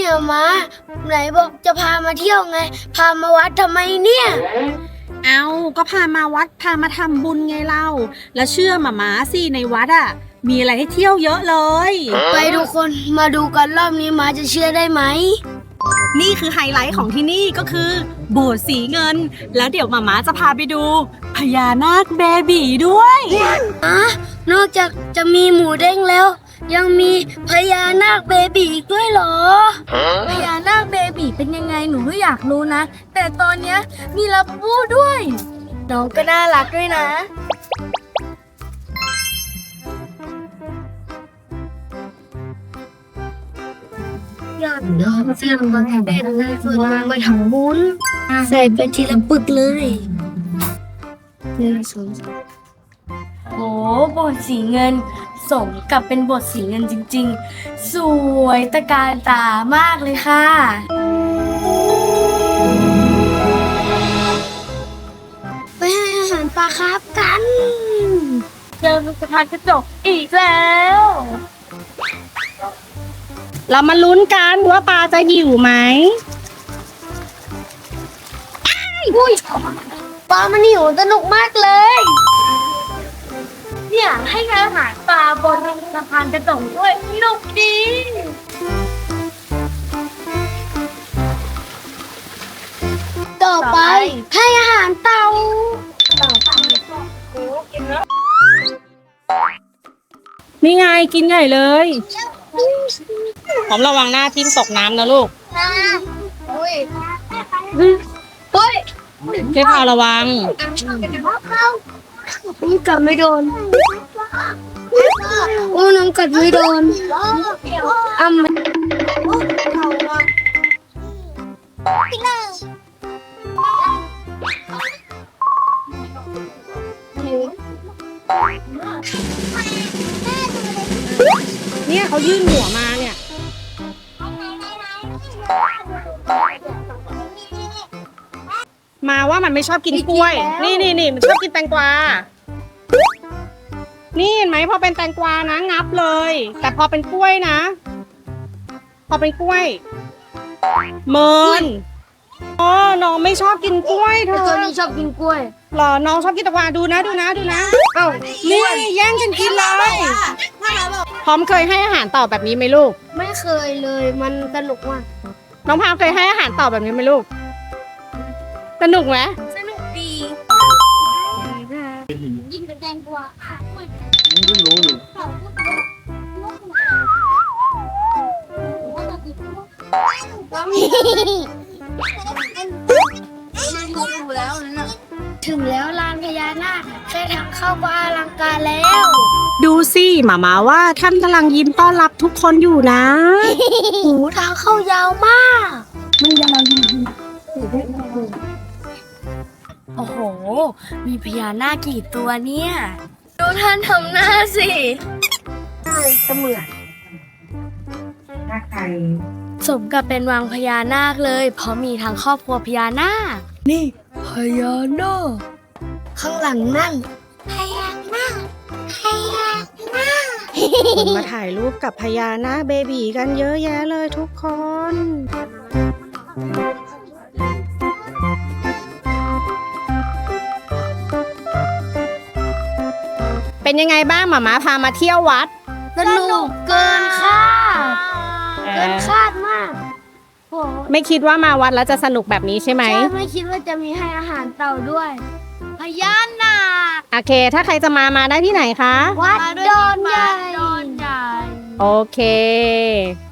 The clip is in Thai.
ม้าไหนบอกจะพามาเที่ยวไง พามาวัดทำไมเนี่ยเอาก็พามาวัดพามาทำบุญไงเราแล้วเชื่อหมาสิในวัดมีอะไรให้เที่ยวเยอะเลยไปทุกคนมาดูกันรอบนี้ม้าจะเชื่อได้ไหมนี่คือไฮไลท์ของที่นี่ก็คือโบสถ์สีเงินแล้วเดี๋ยวหมาจะพาไปดูพญานาคเบบีด้วยนอกจากจะมีหมูเด้งแล้ว ยังมีพญานาคเบบีอีกด้วยเหรอพญานาคเบบีเป็นยังไงหนูก็อยากรู้นะ แต่ตอนเนี้ยมีลาบูด้วยน้องก็น่ารักด้วยนะ อยากเดินเสียงบางแห่งเลยฝึกมาทำบุญใส่เป็นทีละปึกเลยโอ้บทสีเงินสมกับเป็นบทสีเงินจริงๆ สวยตะการตามากเลยค่ะ ไปให้อาหารปลาคาร์ฟกันเจอสะพานกระจกอีกแล้วเรามาลุ้นกันว่าปลาจะหิวไหมอุ้ยปลามันหิวสนุกมากเลย เนี่ยให้อาหารปลาบนสะพานกระจกด้วยสนุกดี ต่อไปให้อาหารเต่านี่ไงกินใหญ่เลยพร้อมระวังหน้าทิ่มตกน้ำนะลูกอุ้ยเจ๊พาระวังน้องกัดไม่โดนโอ้น้องกัดไม่โดนอ้ำเนี่ยเขายื่นหัวมาเนี่ยมาว่ามันไม่ชอบกินกล้วยนี่มันชอบกินแตงกวานี่เห็นไหมพอเป็นแตงกวานะงับเลยแต่พอเป็นกล้วยนะ พอเป็นกล้วยเมินอ๋อน้องไม่ชอบกินกล้วยเธตัวอนี้ชอบกินกล้วยหรอน้องชอบกินแตงกวาดูนะเอ้านี่แย่งกันกินเลยพร้อมเคยให้อาหารต่อแบบนี้ไหมลูกไม่เคยเลยมันสนุกมากน้องพาวเคยให้อาหารต่อแบบนี้ไหมลูกสนุกไหมสนุกดียิ่งเป็นแตงกวาไม่รู้อยู่ถึงแล้วลานพญานาคแค่ทางเข้าก็อลังการแล้วดูสิหมาว่าท่านกำลังยิ้มต้อนรับทุกคนอยู่นะหูทางเข้ายาวมาก มันยาวจริงโอ้โห มีพญานาคกี่ตัวเนี่ย ดูท่านทำหน้าสิเสมือนสมกับเป็นวังพญานาคเลย เพราะมีทั้งครอบครัวพญานาค นี่พญานาค ข้างหลังนั่นพญานาคคนมาถ่ายรูปกับพญานาคเบบีกันเยอะแยะเลยทุกคน เป็นยังไงบ้างหมาพามาเที่ยววัดสนุกเกินคาดเกินคาดมากโหไม่คิดว่ามาวัดแล้วจะสนุกแบบนี้ใช่ไหมใช่ไม่คิดว่าจะมีให้อาหารเต่าด้วย พญานาคโอเค ถ้าใครจะมาได้ที่ไหนคะวัดดอนใหญ่โอเค